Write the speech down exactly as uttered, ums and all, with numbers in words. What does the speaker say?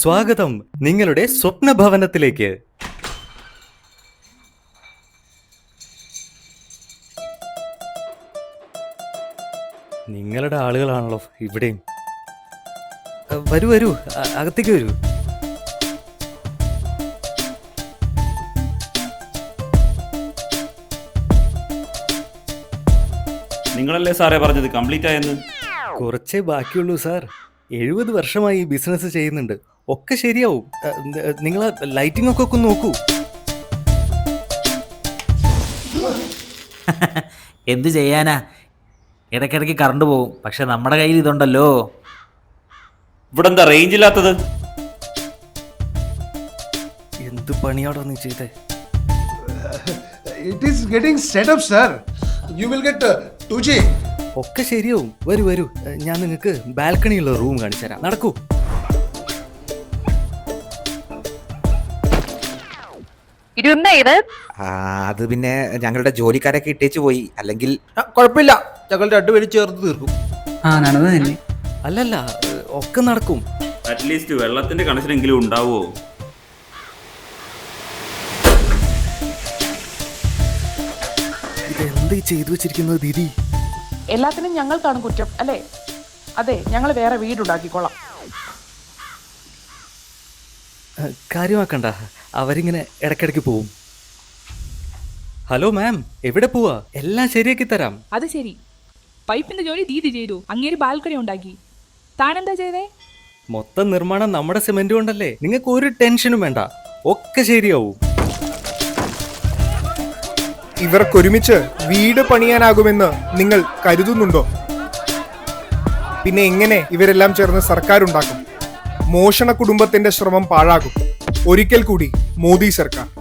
സ്വാഗതം നിങ്ങളുടെ സ്വപ്ന ഭവനത്തിലേക്ക്. നിങ്ങളുടെ ആളുകളാണല്ലോ ഇവിടെയും. വരൂ വരൂ, അകത്തേക്ക് വരൂ. നിങ്ങളല്ലേ സാറേ പറഞ്ഞത് കംപ്ലീറ്റ് ആയെന്ന്? കുറച്ചേ ബാക്കിയുള്ളൂ സാർ. എഴുപത് വർഷമായി ഈ ബിസിനസ് ചെയ്യുന്നുണ്ട്. ഒക്കെ ശരിയാവും. നിങ്ങൾ ലൈറ്റിംഗ് ഒക്കെ ഒക്കെ നോക്കൂ. എന്ത് ചെയ്യാനാ, ഇടയ്ക്കിടയ്ക്ക് കറണ്ട് പോകും. പക്ഷെ നമ്മുടെ കയ്യിൽ ഇതുണ്ടല്ലോ. ഇവിടെ എന്താ റേഞ്ച് ഇല്ലാത്തത്? എന്ത് പണിയാടോ നീ ചെയ്തേ? It is getting set up, sir. You will get uh, two G. ഒക്കെ ശരിയാവും. വരൂ വരൂ, ഞാൻ നിങ്ങൾക്ക് ബാൽക്കണിയുള്ള റൂം കാണിച്ചു തരാം. നടക്കൂ. അത് പിന്നെ ഞങ്ങളുടെ ജോലിക്കാരൊക്കെ ഇട്ടേച്ച് പോയി. അല്ലെങ്കിൽ കുഴപ്പമില്ല, ഞങ്ങൾ രണ്ടുപേരും ചേർത്ത് തീർക്കും. ആ നടന്നു തന്നെ. അല്ലല്ല, ഒക്കെ നടക്കും. അറ്റ്ലീസ്റ്റ് വെള്ളത്തിന്റെ കണക്ഷനെങ്കിലും ഉണ്ടാവുമോ? ഇതെന്താ ചെയ്തു വെച്ചിരിക്കുന്നത് ദീദി? എല്ലാത്തിനും ഞങ്ങൾക്കാണ് കുറ്റം അല്ലേ? അതെ, ഞങ്ങൾ വേറെ വീടുണ്ടാക്കിക്കോളാം. കാര്യമാക്കണ്ട, അവരിങ്ങനെ ഇടയ്ക്കിടയ്ക്ക് പോവും. ഹലോ മാം, എവിടെ പോവാ? എല്ലാം ശരിയാക്കി തരാം. അത് ശരി, പൈപ്പിന്റെ ജോലി ദീദി ചെയ്തു. അങ്ങേര് ബാൽക്കണി ഉണ്ടാക്കി. താനെന്താ ചെയ്തേ? മൊത്തം നിർമ്മാണം നമ്മുടെ സിമെന്റ് കൊണ്ടല്ലേ. നിങ്ങൾക്ക് ഒരു ടെൻഷനും വേണ്ട, ഒക്കെ ശരിയാവും. ഇവർക്കൊരുമിച്ച് വീട് പണിയാനാകുമെന്ന് നിങ്ങൾ കരുതുന്നുണ്ടോ? പിന്നെ എങ്ങനെ ഇവരെല്ലാം ചേർന്ന് സർക്കാർ ഉണ്ടാക്കും? മോഷണ കുടുംബത്തിന്റെ ശ്രമം പാഴാകും. ഒരിക്കൽ കൂടി മോദി സർക്കാർ.